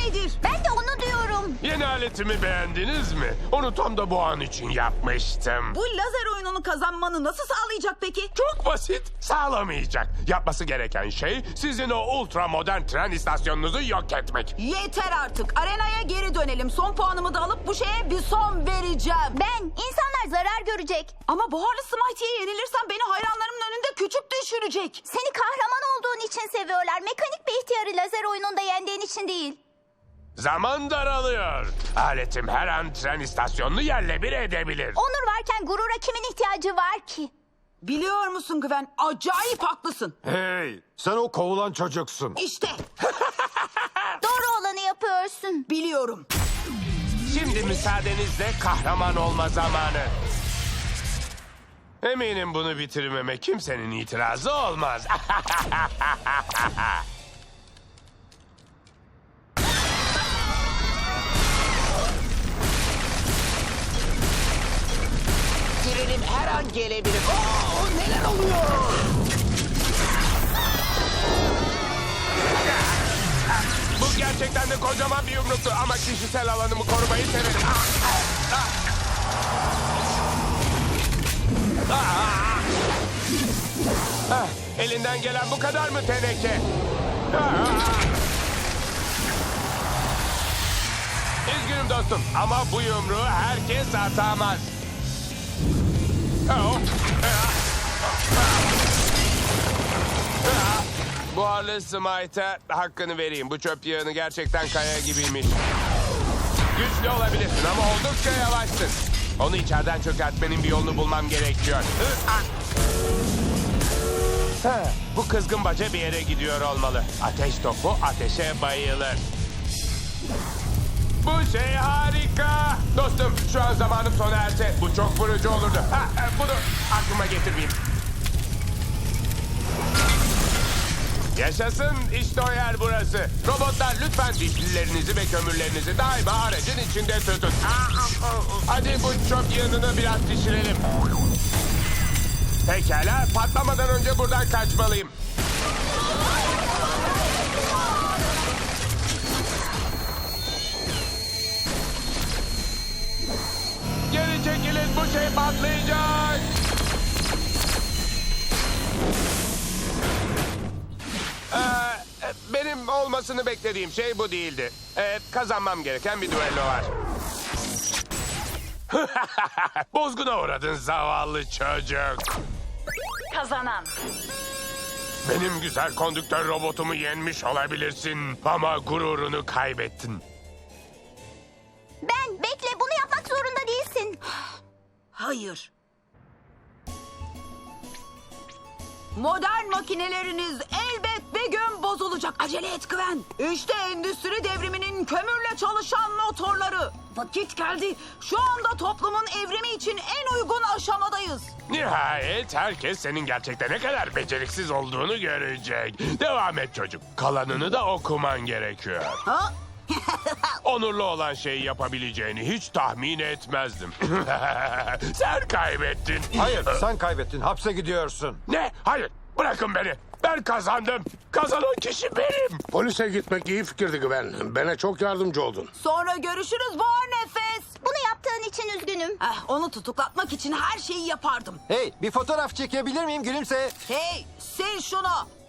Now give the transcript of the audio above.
nedir? Ben de onu diyorum. Yeni aletimi beğendiniz mi? Onu tam da bu an için yapmıştım. Bu lazer oyununu kazanmanı nasıl sağlayacak peki? Çok basit, sağlamayacak. Yapması gereken şey sizin o ultra modern tren istasyonunuzu yok etmek. Yeter artık. Arenaya geri dönelim. Son puanımı da alıp bu şeye bir son vereceğim. Ben, insanlar zarar görecek. Ama buharlı Smite'ye yenilirsem beni hayranlarımın önünde küçük düşürecek. Seni kahraman olduğun için seviyorlar. Mekanik bir ihtiyarı lazer oyununda yendiğin için değil. Zaman daralıyor. Aletim her an tren istasyonunu yerle bir edebilir. Onur varken gurura kimin ihtiyacı var ki? Biliyor musun Güven? Acayip haklısın. Hey, sen o kovulan çocuksun. İşte Doğru olanı yapıyorsun. biliyorum. Şimdi müsaadenizle kahraman olma zamanı. Eminim bunu bitirmeme kimsenin itirazı olmaz. Trenim her an gelebilir. Oo, neler oluyor? Bu gerçekten de kocaman bir yumruktu ama kişisel alanımı korumayı severim. Elinden gelen bu kadar mı teneke? Üzgünüm dostum ama bu yumruğu herkes atamaz. Buharlı Smite'a hakkını vereyim. Bu çöp yığını gerçekten kaya gibiymiş. Güçlü olabilirsin ama oldukça yavaşsın. Onu içeriden çökertmenin bir yolunu bulmam gerekiyor. Bu kızgın baca bir yere gidiyor olmalı. Ateş topu ateşe bayılır. Bu şey harika. Dostum şu an zamanım sona erse bu çok vurucu olurdu. Bunu aklıma getirmeyeyim. Yaşasın işte o yer burası. Robotlar lütfen dişlilerinizi ve kömürlerinizi daima aracın içinde tutun. Hadi bu çöp yığınını biraz pişirelim. Pekala patlamadan önce buradan kaçmalıyım. Geri çekilin bu şey patlayacak. Benim olmasını beklediğim şey bu değildi. Kazanmam gereken bir düello var. Bozguna uğradın zavallı çocuk. Kazanan. Benim güzel kondüktör robotumu yenmiş olabilirsin ama gururunu kaybettin. Ben, bekle, bunu yapmak zorunda değilsin. Hayır. Modern makineleriniz elbet bir gün bozulacak. Acele et Güven. İşte endüstri devriminin kömürle çalışan motorları. Vakit geldi. Şu anda toplumun evrimi için en uygun aşamadayız. Nihayet herkes senin gerçekten ne kadar beceriksiz olduğunu görecek. Devam et çocuk. Kalanını da okuman gerekiyor. Ha? Onurlu olan şeyi yapabileceğini hiç tahmin etmezdim. Sen kaybettin. Hayır, sen kaybettin. Hapse gidiyorsun. Ne? Hayır. Bırakın beni. Ben kazandım. Kazanan kişi benim. Polise gitmek iyi fikirdi Güven. Bana çok yardımcı oldun. Sonra görüşürüz Buhar Nefes. Bunu yaptığın için üzgünüm. Onu tutuklatmak için her şeyi yapardım. Hey, bir fotoğraf çekebilir miyim? Gülümse. Hey, sil şunu.